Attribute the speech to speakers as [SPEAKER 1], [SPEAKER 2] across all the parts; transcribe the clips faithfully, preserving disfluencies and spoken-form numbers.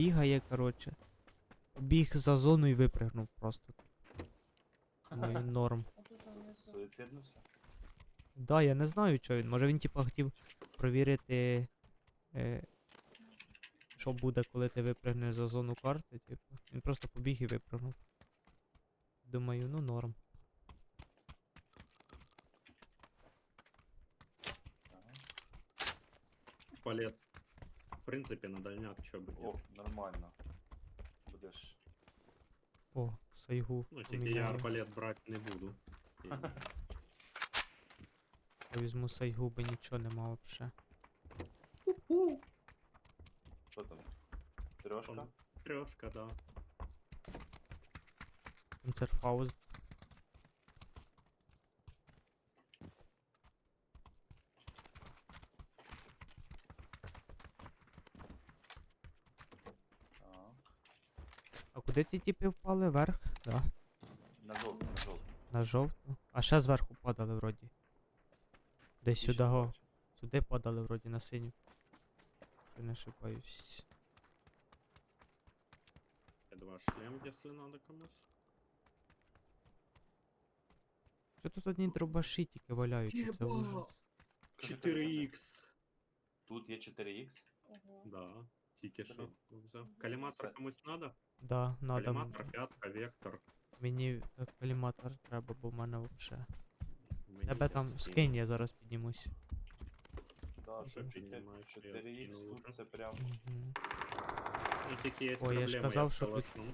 [SPEAKER 1] бігає, коротше. Біг за зону і випригнув просто. Ну і норм.
[SPEAKER 2] А тут там внизу.
[SPEAKER 3] Суїциднувся?
[SPEAKER 1] Да, я не знаю, що він. Може він типа хотів провірити, е, що буде, коли ти випригнеш за зону карти, типу. Він просто побіг і випригнув. Думаю, ну норм.
[SPEAKER 3] Ага.
[SPEAKER 4] Палет. В принципі, на дальняк що би.
[SPEAKER 3] О, нормально. Будеш.
[SPEAKER 1] О, сайгу.
[SPEAKER 4] Ну, тільки я
[SPEAKER 1] поміняю.
[SPEAKER 4] арбалет брати не буду. І-
[SPEAKER 1] Я візьму сайгу, бо нічого нема вообще.
[SPEAKER 3] Що там? Трьошка?
[SPEAKER 4] Там Трьошка, да.
[SPEAKER 1] Концертфауст.
[SPEAKER 3] Так.
[SPEAKER 1] А куди ті тіпи впали? Вверх? Да.
[SPEAKER 3] На жовту, на жовту.
[SPEAKER 1] На жовту. А ще зверху падали вроді. Десь
[SPEAKER 3] Більше
[SPEAKER 1] сюди
[SPEAKER 3] не
[SPEAKER 1] го.
[SPEAKER 3] бачу.
[SPEAKER 1] Сюди падали вроді на синю. Я не ошибаюсь.
[SPEAKER 4] Я два шлем, якщо надо комусь.
[SPEAKER 1] Що тут одні дробаші тільки валяються, це ужас.
[SPEAKER 4] чотири ікс.
[SPEAKER 3] Тут є чотири ікс.
[SPEAKER 2] Ого.
[SPEAKER 4] Да. Тільки що
[SPEAKER 3] Блін.
[SPEAKER 4] взяв. Каліматор
[SPEAKER 3] Це-
[SPEAKER 4] комусь надо?
[SPEAKER 1] Да, надо. м-
[SPEAKER 4] Каліматор, п'ятка, вектор.
[SPEAKER 1] Мені е, коліматор треба, бо в мене вообще.
[SPEAKER 4] Мені
[SPEAKER 1] Тебе
[SPEAKER 4] є
[SPEAKER 1] там
[SPEAKER 4] скін.
[SPEAKER 1] скинь, я зараз піднімусь.
[SPEAKER 3] Да,
[SPEAKER 4] Вже
[SPEAKER 3] тут
[SPEAKER 4] піднімаю, що я
[SPEAKER 3] чотири ікс,
[SPEAKER 4] скинув
[SPEAKER 3] тут
[SPEAKER 4] уже.
[SPEAKER 3] це прям.
[SPEAKER 1] Угу.
[SPEAKER 4] Ну тільки є
[SPEAKER 1] Ой,
[SPEAKER 4] проблема,
[SPEAKER 1] я ж казав,
[SPEAKER 4] я
[SPEAKER 1] що тут-
[SPEAKER 4] скалашну.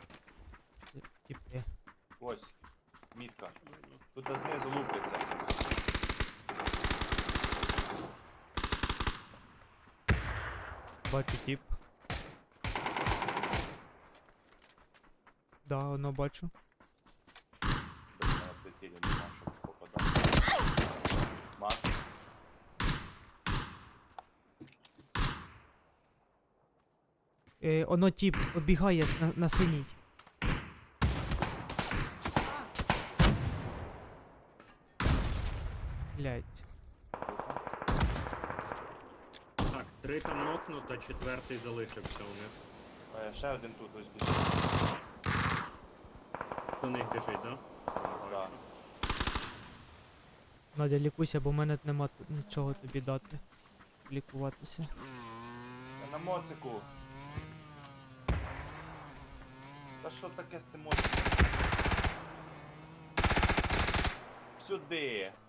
[SPEAKER 1] Типи.
[SPEAKER 3] Ось. Мітка. Тут знизу лупиться.
[SPEAKER 1] Бачу тип. Да, воно бачу.
[SPEAKER 3] Без мене прицілі нема, щоб попадати. Макс.
[SPEAKER 1] Е, оно тип обігає на, на синій. Блять.
[SPEAKER 4] Так, три там нокнуто, четвертий залишився у них.
[SPEAKER 3] Е, Ще один тут ось біжить.
[SPEAKER 4] До них біжить, да?
[SPEAKER 3] Да.
[SPEAKER 1] Надя, лікуйся, бо в мене нема тут нічого тобі дати. Лікуватися.
[SPEAKER 3] Я на моцику. Та що таке з цим моциком? Сюди.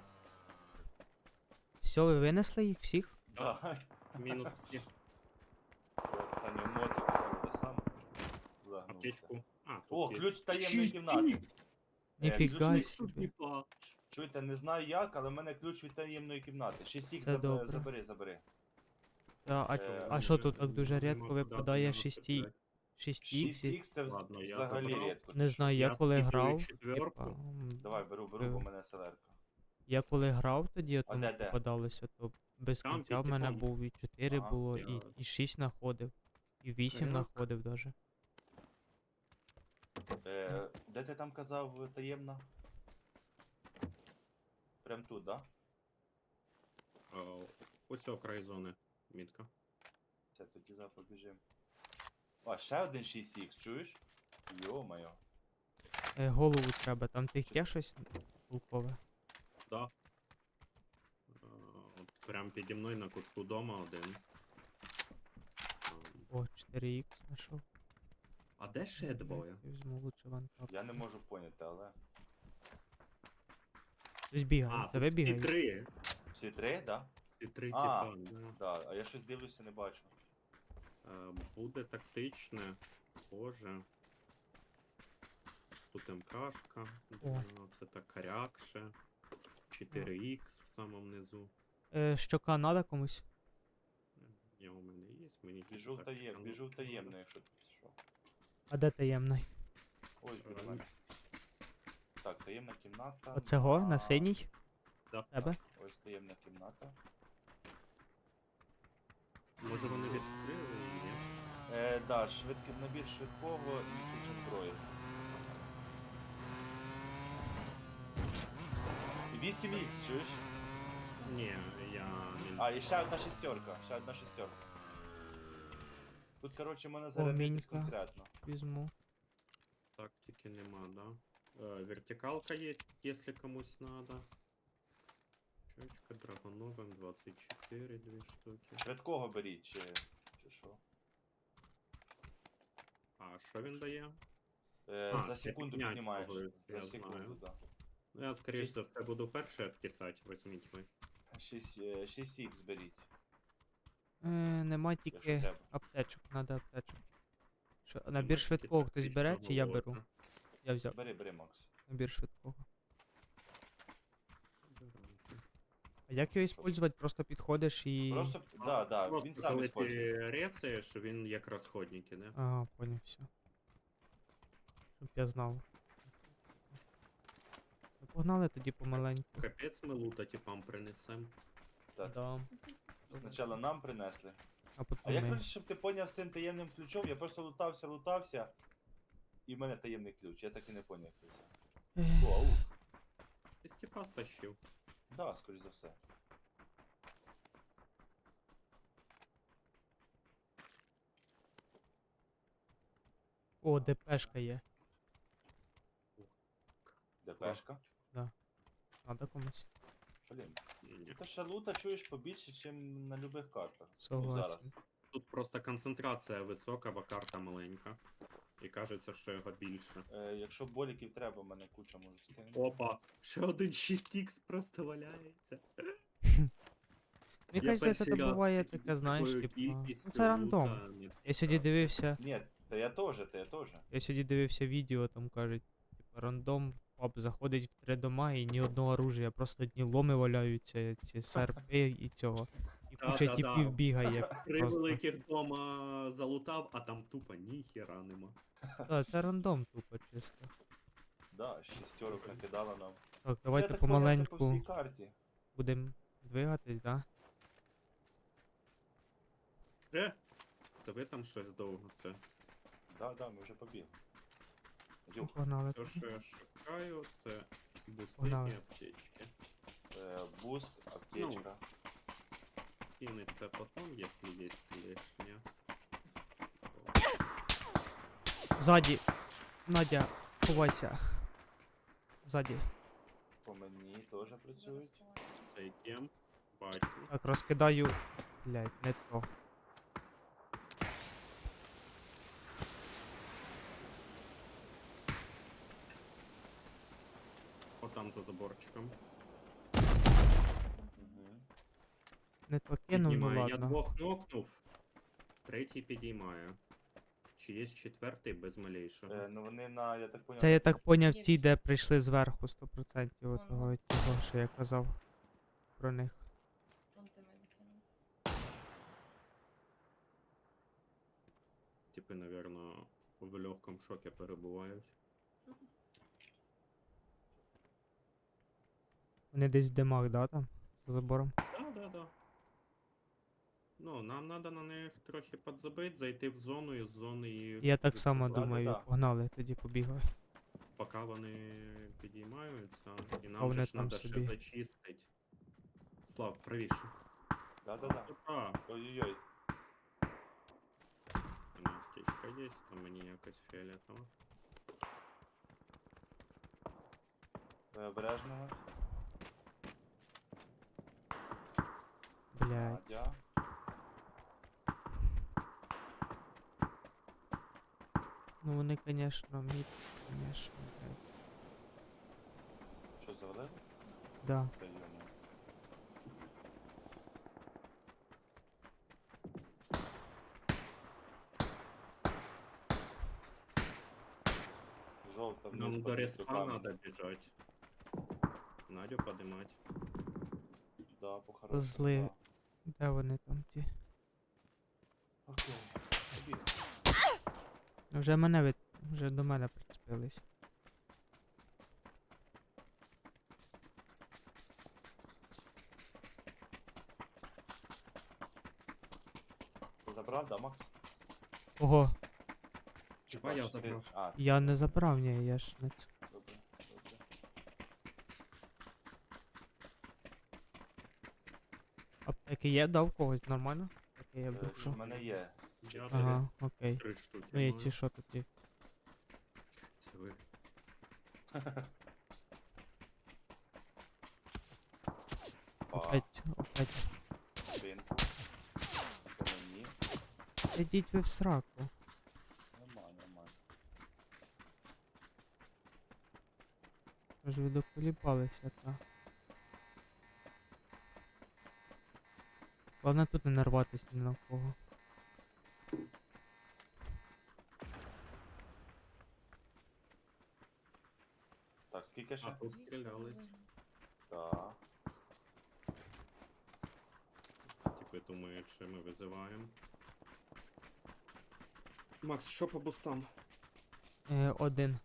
[SPEAKER 1] Все, ви винесли їх всіх?
[SPEAKER 3] Да.
[SPEAKER 4] Мінус всі.
[SPEAKER 3] Останню моцику правда сам загнувся.
[SPEAKER 4] Аптечку. А, тут
[SPEAKER 3] О,
[SPEAKER 4] є.
[SPEAKER 3] ключ таємної кімнати.
[SPEAKER 1] Ніфіга
[SPEAKER 3] ключ
[SPEAKER 1] собі.
[SPEAKER 3] Чуєте, не знаю як, але в мене ключ від таємної кімнати. шість ікс
[SPEAKER 1] Це
[SPEAKER 3] заб-
[SPEAKER 1] добре.
[SPEAKER 3] забери, забери.
[SPEAKER 1] А, а,
[SPEAKER 3] Е,
[SPEAKER 1] а що тут так дуже
[SPEAKER 4] Нема
[SPEAKER 1] рідко
[SPEAKER 4] куди
[SPEAKER 1] випадає
[SPEAKER 4] дев'яносто
[SPEAKER 1] шість
[SPEAKER 4] п'ять.
[SPEAKER 1] шість
[SPEAKER 3] шість
[SPEAKER 1] ікс?
[SPEAKER 3] ікс це вз-
[SPEAKER 4] Ладно, я
[SPEAKER 3] взагалі
[SPEAKER 4] забрав.
[SPEAKER 3] рідко.
[SPEAKER 1] Не знаю, я
[SPEAKER 4] Я
[SPEAKER 1] коли
[SPEAKER 4] скидую
[SPEAKER 1] грав.
[SPEAKER 4] четвірку.
[SPEAKER 1] типа, м,
[SPEAKER 3] Давай, беру, беру, бо
[SPEAKER 1] Е.
[SPEAKER 3] в мене селерка.
[SPEAKER 1] Я коли грав тоді,
[SPEAKER 3] А
[SPEAKER 1] там
[SPEAKER 3] де, де?
[SPEAKER 1] попадалося, то без
[SPEAKER 4] Там
[SPEAKER 1] кінця в
[SPEAKER 4] під
[SPEAKER 1] мене
[SPEAKER 4] типом.
[SPEAKER 1] був і чотири
[SPEAKER 3] Ага.
[SPEAKER 1] було,
[SPEAKER 4] Я-
[SPEAKER 1] і, і шість находив. І вісім
[SPEAKER 4] Так.
[SPEAKER 1] находив даже.
[SPEAKER 3] Е, де ти там казав е, таємна? Прям тут, да?
[SPEAKER 4] А, Ось о край зони. Мітка.
[SPEAKER 3] Все, тоді зараз побіжим. А, ще один шість ікс, чуєш? Йо-моє.
[SPEAKER 1] Е, голову треба, там тих є щось толкове.
[SPEAKER 4] Да. А, от Прям піді мною на кутку дома один. А,
[SPEAKER 1] О, чотири ікс знайшов.
[SPEAKER 4] А де ще двоє?
[SPEAKER 1] Я візьму лучше вантап.
[SPEAKER 3] Я не можу поняти, але.
[SPEAKER 1] Хтось бігає,
[SPEAKER 4] А,
[SPEAKER 1] тебе
[SPEAKER 4] тут всі
[SPEAKER 1] бігає.
[SPEAKER 4] три.
[SPEAKER 3] Всі три, да?
[SPEAKER 4] Всі три
[SPEAKER 3] А.
[SPEAKER 4] типа. Да.
[SPEAKER 3] Да, а я щось дивлюся, не бачу.
[SPEAKER 4] Е, Буде тактичне, схоже. Тут МКшка,
[SPEAKER 1] О.
[SPEAKER 4] е, це так корякше. чотири ікс в самому низу.
[SPEAKER 1] Е, щока надо комусь?
[SPEAKER 4] Я у мене є, мені
[SPEAKER 3] Біжу в
[SPEAKER 4] так,
[SPEAKER 3] таєм,
[SPEAKER 4] ну,
[SPEAKER 3] біжу в
[SPEAKER 4] ну,
[SPEAKER 3] таємне, якщо ти що.
[SPEAKER 1] А де таємний?
[SPEAKER 3] Ось біля
[SPEAKER 4] Е,
[SPEAKER 3] мене. Так, таємна кімната.
[SPEAKER 1] Оцего, на
[SPEAKER 3] а,
[SPEAKER 1] синій?
[SPEAKER 4] Да.
[SPEAKER 1] Тебе?
[SPEAKER 3] Ось таємна кімната.
[SPEAKER 4] Може вони відкрили її? ні?
[SPEAKER 3] Е, да, швидкий набір швидкого і куча зброї. вісім ікс, чуєш?
[SPEAKER 4] Ні, я не.
[SPEAKER 3] А, і ще одна шістерка, ще одна шістерка. Тут, коротше, можна зарядитись
[SPEAKER 1] Мінька.
[SPEAKER 3] конкретно.
[SPEAKER 1] Візьму.
[SPEAKER 4] Тактики нема, да? Э, вертикалка есть, если комусь надо. Чучка, драгоновым, двадцать четыре, две штуки.
[SPEAKER 3] Швидкого беріть, чи, чи що.
[SPEAKER 4] А що він дає?
[SPEAKER 3] Е,
[SPEAKER 4] А,
[SPEAKER 3] за
[SPEAKER 4] це
[SPEAKER 3] секунду
[SPEAKER 4] підняття
[SPEAKER 3] піднімаєш.
[SPEAKER 4] того,
[SPEAKER 3] За
[SPEAKER 4] я
[SPEAKER 3] секунду,
[SPEAKER 4] знаю.
[SPEAKER 3] да.
[SPEAKER 4] Ну, я, скоріш
[SPEAKER 3] Шість-
[SPEAKER 4] за все, буду перший откисати, візьміть ви.
[SPEAKER 3] шість, е, шість ікс беріть,
[SPEAKER 1] Е, нема
[SPEAKER 3] якщо
[SPEAKER 1] тільки
[SPEAKER 3] треба.
[SPEAKER 1] аптечок, надо аптечок. Що,
[SPEAKER 4] Нема
[SPEAKER 1] набір
[SPEAKER 4] тільки
[SPEAKER 1] швидкого хтось
[SPEAKER 4] тактичного
[SPEAKER 1] бере, чи я беру?
[SPEAKER 4] молота.
[SPEAKER 1] Я взяв
[SPEAKER 3] Бери, бери, Макс.
[SPEAKER 1] набір швидкого.
[SPEAKER 4] Беру.
[SPEAKER 1] А як його використовувати? Просто підходиш і.
[SPEAKER 3] Просто, да, да,
[SPEAKER 4] Просто
[SPEAKER 3] він сам
[SPEAKER 4] коли
[SPEAKER 3] использує.
[SPEAKER 4] ти рецаєш, він як розходники, не?
[SPEAKER 1] Ага, поняв, все. Щоб я знав. Ну, погнали тоді помаленьку.
[SPEAKER 4] Капець ми лута типам принесем.
[SPEAKER 3] Так.
[SPEAKER 1] Да.
[SPEAKER 3] Спочатку нам принесли.
[SPEAKER 1] А
[SPEAKER 3] А
[SPEAKER 1] потім
[SPEAKER 3] я,
[SPEAKER 1] ми.
[SPEAKER 3] коротше, щоб ти поняв з цим таємним ключом, я просто лутався, лутався, і в мене таємний ключ, я так і не поняв, як це.
[SPEAKER 1] Ех,
[SPEAKER 3] О, аук.
[SPEAKER 4] Ти степа стащив.
[SPEAKER 3] Да, скоріш за все.
[SPEAKER 1] О, ДПшка є.
[SPEAKER 3] ДПшка.
[SPEAKER 1] Надо комусь.
[SPEAKER 3] Блін.
[SPEAKER 4] Ні.
[SPEAKER 3] Ти ще лута чуєш побільше, ніж на любих картах. Ну, зараз.
[SPEAKER 1] Согласен.
[SPEAKER 4] Тут просто концентрація висока, бо карта маленька. І кажеться, що його більше.
[SPEAKER 3] Е, якщо боліків треба, в мене куча може скинути.
[SPEAKER 4] Опа! Ще один шість ікс просто валяється.
[SPEAKER 1] Мені
[SPEAKER 4] Я
[SPEAKER 1] кажеться, це
[SPEAKER 4] перший раз
[SPEAKER 1] буває
[SPEAKER 4] такий-
[SPEAKER 1] таке, знаєш,
[SPEAKER 4] такою
[SPEAKER 1] типа.
[SPEAKER 4] кількістю
[SPEAKER 1] Ну це рандом.
[SPEAKER 4] лута не
[SPEAKER 1] Я сьогодні
[SPEAKER 4] так.
[SPEAKER 1] дивився.
[SPEAKER 3] Ні, та я теж, та я теж.
[SPEAKER 1] Я сьогодні дивився відео, там кажуть, типа рандом в паб заходить в три дома і ні одного оружия, просто одні ломи валяються, ці серпи і цього. І
[SPEAKER 4] Да,
[SPEAKER 1] куча
[SPEAKER 4] да, да.
[SPEAKER 1] типів бігає.
[SPEAKER 4] Три
[SPEAKER 1] Просто.
[SPEAKER 4] великих дома залутав, а там тупо ніхера нема.
[SPEAKER 1] Так, це рандом тупо чисто.
[SPEAKER 3] Да, шістерок накидала нам.
[SPEAKER 1] Так,
[SPEAKER 3] я
[SPEAKER 1] давайте
[SPEAKER 3] так поняв, це по
[SPEAKER 1] помаленьку
[SPEAKER 3] всій карті.
[SPEAKER 1] будемо двигатись, да?
[SPEAKER 4] Е? Це ви там щось довго це.
[SPEAKER 3] Да, да, ми вже побігли.
[SPEAKER 1] Ну,
[SPEAKER 3] Юх,
[SPEAKER 1] погнали.
[SPEAKER 4] Те, що я шукаю, це бусти
[SPEAKER 1] Погнали.
[SPEAKER 4] і аптечки.
[SPEAKER 3] е, буст, аптечка.
[SPEAKER 4] Кинуть це потом, якщо є лишнє.
[SPEAKER 1] Ззаді. Надя, ховайся. Ззаді.
[SPEAKER 3] По мені теж працюють.
[SPEAKER 4] Цей кем. Бачу.
[SPEAKER 1] Так, розкидаю. Блять, не то.
[SPEAKER 4] Отам за заборчиком.
[SPEAKER 3] Угу.
[SPEAKER 1] Не то кинув, ну
[SPEAKER 4] Піднімає. Я
[SPEAKER 1] ладно.
[SPEAKER 4] двох нокнув. Третій підіймає. Чи є четвертий без малейшого?
[SPEAKER 3] Е, ну вони на, я так поняв.
[SPEAKER 1] Це я так поняв
[SPEAKER 2] Є
[SPEAKER 1] ті,
[SPEAKER 2] ще.
[SPEAKER 1] де прийшли зверху сто процентів
[SPEAKER 2] Ага.
[SPEAKER 1] отого, того, що я казав про них.
[SPEAKER 2] Вон ти мене кинув.
[SPEAKER 4] Типи, напевно, в легкому шокі перебувають.
[SPEAKER 1] Вони десь в димах, да, там? За забором.
[SPEAKER 4] Да, да, да. Ну, нам треба на них трохи підзабити, зайти в зону і з зони їх.
[SPEAKER 1] Я так само
[SPEAKER 3] Да-да-да.
[SPEAKER 1] думаю, погнали, тоді побігли.
[SPEAKER 4] Поки вони підіймаються, і
[SPEAKER 1] А
[SPEAKER 4] нам
[SPEAKER 1] вони
[SPEAKER 4] же ж
[SPEAKER 1] там
[SPEAKER 4] треба ще
[SPEAKER 1] собі.
[SPEAKER 4] зачистити. Слав, правіше.
[SPEAKER 3] Да-да-да.
[SPEAKER 4] А,
[SPEAKER 3] Ой-ой-ой.
[SPEAKER 4] у мене аптечка є, то мені якось фіолетово.
[SPEAKER 3] Ви обережно.
[SPEAKER 1] Блять.
[SPEAKER 3] Надя.
[SPEAKER 1] Ну вони, конечно, мід, конечно, блядь.
[SPEAKER 3] Що завалили?
[SPEAKER 1] Да.
[SPEAKER 3] Та йому. Жовта вниз
[SPEAKER 4] Нам
[SPEAKER 3] по
[SPEAKER 4] до респа
[SPEAKER 3] руками.
[SPEAKER 4] треба біжати. Надю подимати.
[SPEAKER 3] Да, по
[SPEAKER 1] Козли. Де вони там ті?
[SPEAKER 3] Окей. Побігли.
[SPEAKER 1] Вже мене від... вже до мене прицепились.
[SPEAKER 3] Ти забрав, да, Макс?
[SPEAKER 1] Ого,
[SPEAKER 4] Хіба я
[SPEAKER 3] бачиш, ти-
[SPEAKER 4] забрав?
[SPEAKER 3] А,
[SPEAKER 1] я не забрав, ні, я ж не ц-
[SPEAKER 3] добре, добре.
[SPEAKER 1] Аптеки є, да, в когось нормально? Аптеки є
[SPEAKER 3] Е,
[SPEAKER 1] вдруг,
[SPEAKER 3] У
[SPEAKER 1] що?
[SPEAKER 3] мене є.
[SPEAKER 4] Я Я
[SPEAKER 1] Ага, окей.
[SPEAKER 4] три штуки
[SPEAKER 1] Ну, є
[SPEAKER 4] маю.
[SPEAKER 1] ці що тут є.
[SPEAKER 4] Це ви.
[SPEAKER 3] Па,
[SPEAKER 1] Опять, опять.
[SPEAKER 3] спинку. По мені.
[SPEAKER 1] Ідіть ви в сраку.
[SPEAKER 3] Нормально, нормально.
[SPEAKER 1] Ж ви доколібалися, та. Головне тут не нарватися ні на кого.
[SPEAKER 3] Так, скільки
[SPEAKER 4] А
[SPEAKER 3] ще?
[SPEAKER 4] тут
[SPEAKER 2] Дві з
[SPEAKER 4] стрілялись.
[SPEAKER 2] половиною.
[SPEAKER 3] Так.
[SPEAKER 4] Типи думають, що ми визиваємо. Макс, що по бустам?
[SPEAKER 1] Е, один.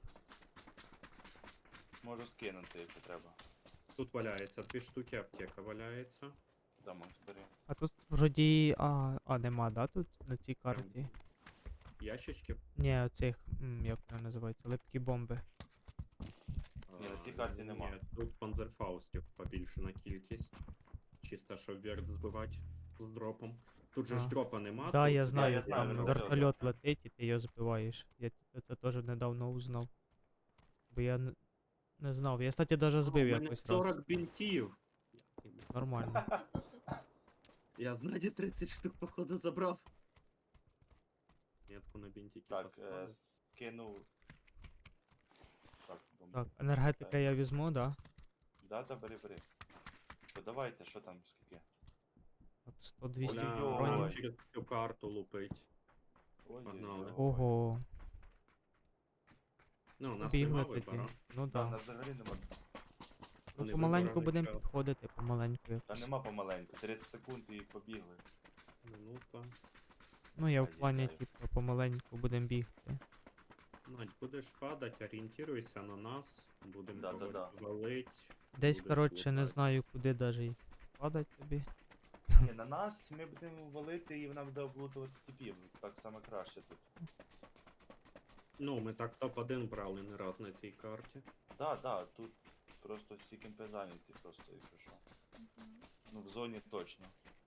[SPEAKER 3] Можу скинути, якщо треба.
[SPEAKER 4] Тут валяється дві штуки, аптека валяється.
[SPEAKER 3] Да, Макс, бери.
[SPEAKER 1] А тут вроді. А, а нема, да, тут на цій карті?
[SPEAKER 4] Ящички.
[SPEAKER 1] Ні, оцих, м, як вони називаються, липкі бомби.
[SPEAKER 3] Ні, на цій
[SPEAKER 4] А,
[SPEAKER 3] карті нема.
[SPEAKER 4] Ні, тут панзерфаустів побільшена кількість. Чисто, щоб вверх збивати з дропом. Тут же
[SPEAKER 1] А.
[SPEAKER 4] ж дропа нема.
[SPEAKER 1] Да,
[SPEAKER 4] тут
[SPEAKER 1] я знаю,
[SPEAKER 3] я знаю,
[SPEAKER 1] там
[SPEAKER 3] він
[SPEAKER 1] вертольот летить і ти його збиваєш. Я т- це теж недавно узнав. Бо я не, не знав. Я, кстати, даже збив
[SPEAKER 4] У мене
[SPEAKER 1] якось раз.
[SPEAKER 4] сорок бінтів.
[SPEAKER 1] Нормально.
[SPEAKER 4] Я знаді тридцять штук, походу, забрав. Метку на бінтики
[SPEAKER 3] Так, е,
[SPEAKER 4] поставив.
[SPEAKER 3] скинув. Так, бомб.
[SPEAKER 1] Так, енергетика я візьму, да?
[SPEAKER 3] Да, да, бери, бери. Що, давайте, що там, скільки?
[SPEAKER 1] Так, сто двісті
[SPEAKER 3] Оля,
[SPEAKER 4] Бля,
[SPEAKER 1] броні.
[SPEAKER 3] ой.
[SPEAKER 4] через всю карту лупить.
[SPEAKER 3] Ой,
[SPEAKER 4] Погнали.
[SPEAKER 3] ой, ой.
[SPEAKER 1] Ого.
[SPEAKER 4] Ну, у нас
[SPEAKER 1] Побігли
[SPEAKER 4] нема
[SPEAKER 1] тоді.
[SPEAKER 4] вибора.
[SPEAKER 1] Ну
[SPEAKER 3] Да,
[SPEAKER 1] да.
[SPEAKER 3] нас взагалі нема.
[SPEAKER 1] Ну,
[SPEAKER 4] Вони
[SPEAKER 1] помаленьку
[SPEAKER 4] вибирали
[SPEAKER 1] будемо
[SPEAKER 4] час.
[SPEAKER 1] підходити, помаленьку
[SPEAKER 3] Та
[SPEAKER 1] якось.
[SPEAKER 3] нема помаленьку, тридцять секунд і побігли.
[SPEAKER 4] Минута.
[SPEAKER 1] Ну я в
[SPEAKER 3] Ай,
[SPEAKER 1] плані,
[SPEAKER 3] їдаю.
[SPEAKER 1] типу, помаленьку будемо бігти.
[SPEAKER 4] Надь, будеш падати, орієнтируйся на нас. Будемо
[SPEAKER 3] Да, да,
[SPEAKER 4] когось
[SPEAKER 3] да.
[SPEAKER 4] валить.
[SPEAKER 1] Десь,
[SPEAKER 4] будеш
[SPEAKER 1] коротше, не
[SPEAKER 4] лутати.
[SPEAKER 1] знаю, куди даже падать тобі.
[SPEAKER 3] Ні, на нас ми будемо валити і вона буде облутувати типів. Так саме краще тут.
[SPEAKER 4] Ну, ми так топ один брали не раз на цій карті.
[SPEAKER 3] Да, да, тут просто всі кемпи зайняті, просто якщо що.
[SPEAKER 2] Мгм.
[SPEAKER 3] Ну в зоні точно.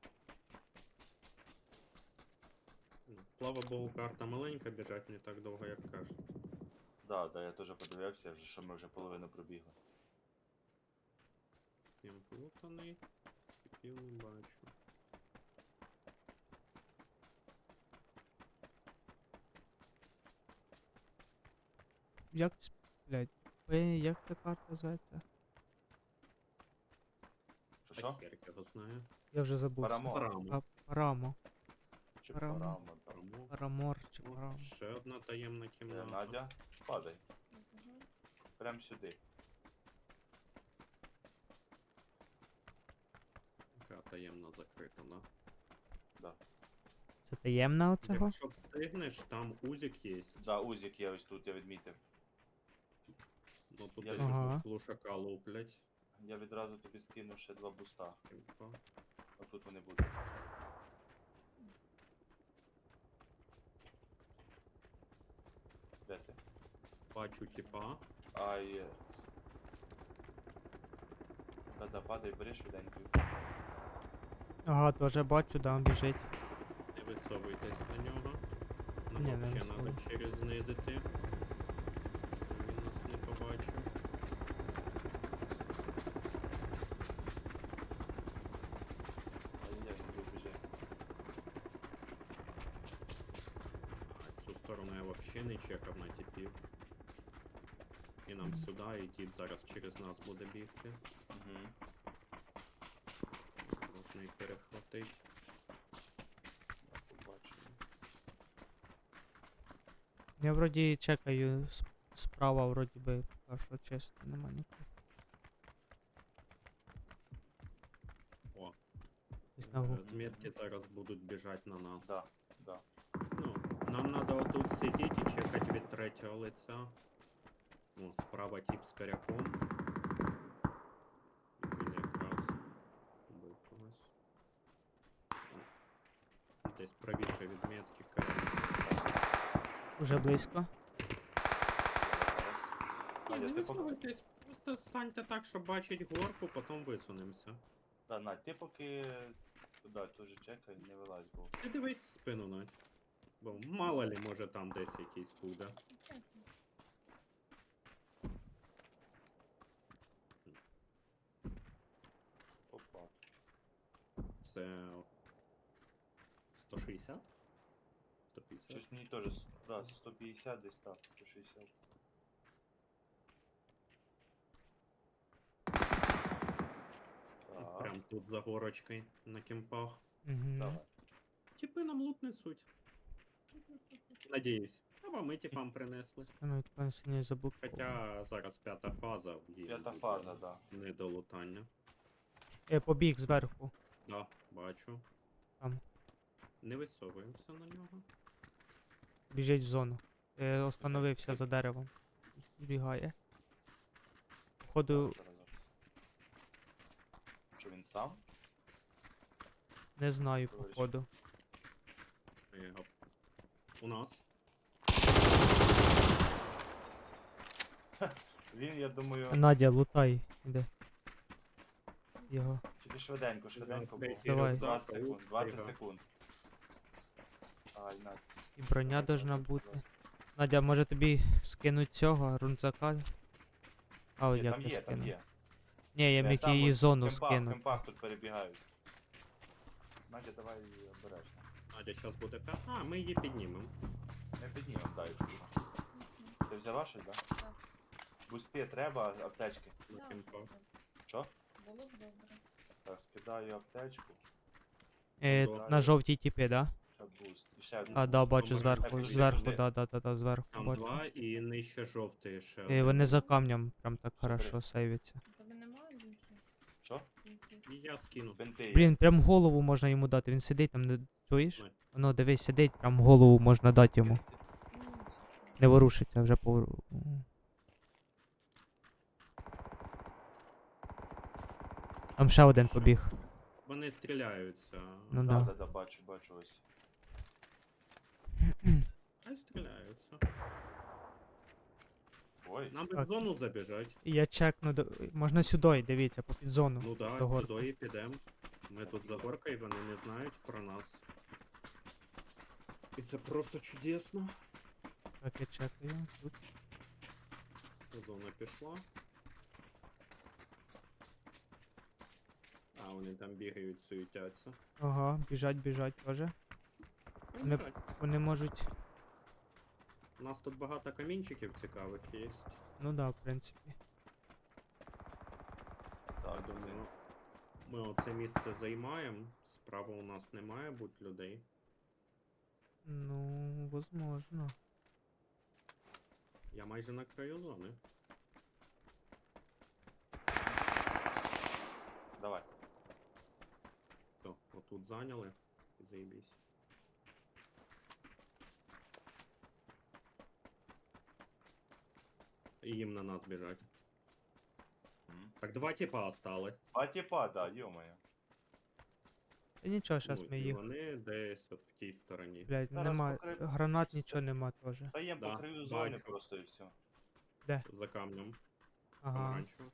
[SPEAKER 4] Ну, Слава Богу, карта маленька, біжать не так довго, як кажуть.
[SPEAKER 3] Да, да, я теж подивився, вже, що ми вже половину пробігли.
[SPEAKER 4] Всім плутаний. Типів не бачу.
[SPEAKER 1] Як ц... блядь, П, як ця карта зветься?
[SPEAKER 3] Що що?
[SPEAKER 4] А хер його знає.
[SPEAKER 1] Я вже забув.
[SPEAKER 3] Парамо.
[SPEAKER 4] Парамо.
[SPEAKER 1] А, Парамо.
[SPEAKER 3] Чи
[SPEAKER 1] Парамо.
[SPEAKER 3] парамо, там.
[SPEAKER 4] Парамо.
[SPEAKER 1] Парамор чи
[SPEAKER 3] Ну,
[SPEAKER 1] Парамо.
[SPEAKER 4] Ще одна таємна
[SPEAKER 3] Е,
[SPEAKER 4] кімната.
[SPEAKER 3] Надя, падай.
[SPEAKER 2] Мгм.
[SPEAKER 3] Прям сюди.
[SPEAKER 4] Яка таємна закрита, да?
[SPEAKER 3] Да.
[SPEAKER 1] Це таємна оцього?
[SPEAKER 4] Якщо встигнеш, там узик є.
[SPEAKER 3] Да, узік я ось тут, я відмітив.
[SPEAKER 4] Ну тут
[SPEAKER 3] Я
[SPEAKER 4] десь
[SPEAKER 1] Ага.
[SPEAKER 4] уже глушака луплять.
[SPEAKER 3] Я відразу тобі скину ще два буста.
[SPEAKER 4] Типа.
[SPEAKER 3] А тут вони будуть. Де ти?
[SPEAKER 4] Бачу, типа.
[SPEAKER 3] Ай. е, Да-да, падай, бери швиденько.
[SPEAKER 1] Ага, теж бачу, да, біжить.
[SPEAKER 4] Не висовуйтесь на нього. Нам
[SPEAKER 1] Ні, не
[SPEAKER 4] взагалі треба
[SPEAKER 1] висовуй.
[SPEAKER 4] через знизити. Він нас не побачив.
[SPEAKER 3] Ай-яй, не біжи.
[SPEAKER 4] А цю сторону я взагалі не чекав на типів. І нам сюди, і тип зараз через нас буде бігти.
[SPEAKER 3] Угу.
[SPEAKER 4] Можна їх перехватити.
[SPEAKER 3] Побачимо.
[SPEAKER 1] Я вроді чекаю с- справа, вроді би, а що чисто, нема нікого.
[SPEAKER 4] О,
[SPEAKER 1] Десь на
[SPEAKER 4] е,
[SPEAKER 1] гу.
[SPEAKER 4] з метки зараз будуть біжати на нас.
[SPEAKER 3] Да, да.
[SPEAKER 4] Ну, нам треба отут сидіти і чекати від третього лиця. О, справа тип з коряком. Він якраз був когось. О, десь правіше від метки коряк.
[SPEAKER 1] Уже близько.
[SPEAKER 4] Ні,
[SPEAKER 3] Надя,
[SPEAKER 4] не
[SPEAKER 3] ти поки...
[SPEAKER 4] висовуйтесь, просто станьте так, щоб бачити горку, потім висунемося.
[SPEAKER 3] Да, Надь, ти поки туди теж чекай, не вилазь, бо.
[SPEAKER 4] Ти дивись спину, Надь. Бо мало ли, може там десь якийсь буде.
[SPEAKER 3] Опа.
[SPEAKER 4] Це сто шістдесят? сто п'ятдесят?
[SPEAKER 3] Щось мені теж, с- да, сто п'ятдесят десь так, сто шістдесят.
[SPEAKER 4] І
[SPEAKER 3] Так,
[SPEAKER 4] прям тут за горочкою на кемпах.
[SPEAKER 1] Угу.
[SPEAKER 3] давай.
[SPEAKER 4] Типи нам лут несуть. Надіюсь. Або ми типам принесли.
[SPEAKER 1] Ну, відконсені заблоковано.
[SPEAKER 4] Хоча зараз п'ята фаза. їй
[SPEAKER 3] П'ята
[SPEAKER 4] буде
[SPEAKER 3] фаза, да.
[SPEAKER 4] Не до лутання.
[SPEAKER 1] Я побіг зверху.
[SPEAKER 4] Да, бачу.
[SPEAKER 1] Там.
[SPEAKER 4] Не висовуємося на нього.
[SPEAKER 1] Біжить в зону. Е, остановився за деревом. Збігає. Походу,
[SPEAKER 3] Так, зараз, зараз. Що він сам?
[SPEAKER 1] не знаю,
[SPEAKER 3] Товариш.
[SPEAKER 1] походу.
[SPEAKER 4] Е, гоп. У нас.
[SPEAKER 3] Він, я думаю,
[SPEAKER 1] Надя, лутай. Іде. Його.
[SPEAKER 3] тільки швиденько, швиденько було.
[SPEAKER 4] Третій
[SPEAKER 1] Давай.
[SPEAKER 4] рюкзак,
[SPEAKER 3] двадцять секунд,
[SPEAKER 4] лук,
[SPEAKER 3] двадцять
[SPEAKER 4] стига.
[SPEAKER 3] секунд. Ай, на.
[SPEAKER 1] І броня должна бути. Надя, може тобі скинуть цього рунцака? А, от
[SPEAKER 3] Ні,
[SPEAKER 1] як
[SPEAKER 3] там
[SPEAKER 1] я
[SPEAKER 3] є, там
[SPEAKER 1] скину.
[SPEAKER 3] є.
[SPEAKER 1] Ні, я
[SPEAKER 3] Е,
[SPEAKER 1] міг
[SPEAKER 3] там
[SPEAKER 1] її
[SPEAKER 3] ось
[SPEAKER 1] зону
[SPEAKER 3] в кемпах, В
[SPEAKER 1] скинути.
[SPEAKER 3] кемпах тут перебігають. Надя, давай її обережно.
[SPEAKER 4] Надя зараз буде п'ята. А, ми її піднімемо.
[SPEAKER 3] Не піднімем, дай. Ти взяла щось, да?
[SPEAKER 2] Так.
[SPEAKER 3] Бусти треба, аптечки.
[SPEAKER 4] На
[SPEAKER 2] Да,
[SPEAKER 4] кемпах.
[SPEAKER 3] Що?
[SPEAKER 2] Було б добре.
[SPEAKER 3] Так, скидаю аптечку.
[SPEAKER 1] Е,
[SPEAKER 4] Добре.
[SPEAKER 1] на жовтій тіпі, да?
[SPEAKER 3] Ще буст. І ще один
[SPEAKER 1] А, да,
[SPEAKER 3] буст.
[SPEAKER 1] бачу
[SPEAKER 4] Думаю,
[SPEAKER 1] зверху,
[SPEAKER 3] подожди,
[SPEAKER 1] зверху,
[SPEAKER 3] подожди.
[SPEAKER 1] да, да, да, да, зверху
[SPEAKER 4] Там
[SPEAKER 1] бачу.
[SPEAKER 4] два і нижче жовтий ще.
[SPEAKER 1] Е,
[SPEAKER 4] один.
[SPEAKER 1] вони за камнем прям так
[SPEAKER 3] Супер.
[SPEAKER 1] хорошо сейвяться.
[SPEAKER 2] У тебе немає бінтів?
[SPEAKER 3] Що?
[SPEAKER 2] Бінтів.
[SPEAKER 4] І я скину.
[SPEAKER 3] Бинти. є.
[SPEAKER 1] Блін, прям голову можна йому дати. Він сидить там, не чуєш?
[SPEAKER 4] Ой.
[SPEAKER 1] Воно, дивись, сидить, прям голову можна дати йому.
[SPEAKER 2] Ну, все.
[SPEAKER 1] Не ворушиться, вже повор... Там ще один побіг.
[SPEAKER 4] Вони стріляються.
[SPEAKER 1] Ну
[SPEAKER 3] Да,
[SPEAKER 1] да.
[SPEAKER 3] да, да, бачу, бачу ось.
[SPEAKER 4] Хай стріляються.
[SPEAKER 3] Ой,
[SPEAKER 4] Нам би
[SPEAKER 1] Так.
[SPEAKER 4] в зону забіжать.
[SPEAKER 1] І я чекну, до... можна сюди, дивіться, по під зону.
[SPEAKER 4] Ну да,
[SPEAKER 1] до горки.
[SPEAKER 4] сюди і підемо. Ми тут за горкою, вони не знають про нас. І це просто чудесно.
[SPEAKER 1] Так, я чекаю. Тут.
[SPEAKER 4] Зона пішла. А, вони там бігають, суетяться.
[SPEAKER 1] Ага, біжать, біжать теж. Вони,
[SPEAKER 4] Так,
[SPEAKER 1] вони можуть.
[SPEAKER 4] У нас тут багато камінчиків цікавих є.
[SPEAKER 1] Ну да, в принципі.
[SPEAKER 4] Я
[SPEAKER 3] так,
[SPEAKER 4] думаю, ми оце місце займаємо. Справа у нас не має бути людей.
[SPEAKER 1] Ну, возможно.
[SPEAKER 4] Я майже на краю зони.
[SPEAKER 3] давай.
[SPEAKER 4] То, отут зайняли. Заєбісь. І їм на нас біжать.
[SPEAKER 3] М.
[SPEAKER 4] Так, два типа осталось.
[SPEAKER 3] А типа, да, ё-моё.
[SPEAKER 1] Та нічого, зараз
[SPEAKER 4] Ну,
[SPEAKER 1] ми
[SPEAKER 4] і
[SPEAKER 1] їх.
[SPEAKER 4] вони десь от в тій стороні.
[SPEAKER 1] Блять,
[SPEAKER 3] Зараз
[SPEAKER 1] нема.
[SPEAKER 3] покри-
[SPEAKER 1] Гранат
[SPEAKER 3] все.
[SPEAKER 1] нічого нема теж.
[SPEAKER 3] Стаємо
[SPEAKER 4] Да,
[SPEAKER 3] по краю зони
[SPEAKER 4] бачу.
[SPEAKER 3] просто і все.
[SPEAKER 4] За камнем.
[SPEAKER 1] Ага.
[SPEAKER 4] Помаранчево.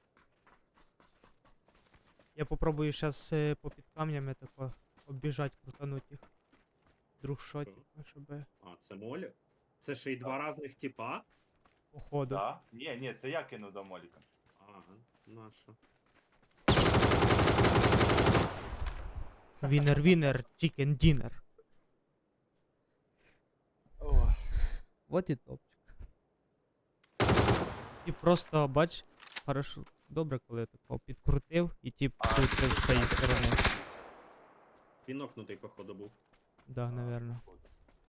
[SPEAKER 1] Я попробую зараз по під камнями тако обіжать, крутануть їх. Друг що,
[SPEAKER 4] Що?
[SPEAKER 1] типа, щоб
[SPEAKER 4] А, це молі? Це ще й два різних типа?
[SPEAKER 1] походу.
[SPEAKER 3] Да? Ні, ні, це я кинув до Моліка.
[SPEAKER 4] Ага, наша.
[SPEAKER 1] Вінер, вінер, чікен дінер.
[SPEAKER 3] Ой.
[SPEAKER 1] Вот і топчик. І просто, бач, хорошо, добре, коли тако підкрутив і тип
[SPEAKER 3] А,
[SPEAKER 1] крутив з цієї сторони.
[SPEAKER 4] Він окнутий, походу, був.
[SPEAKER 1] Да, наверно.
[SPEAKER 3] Походу.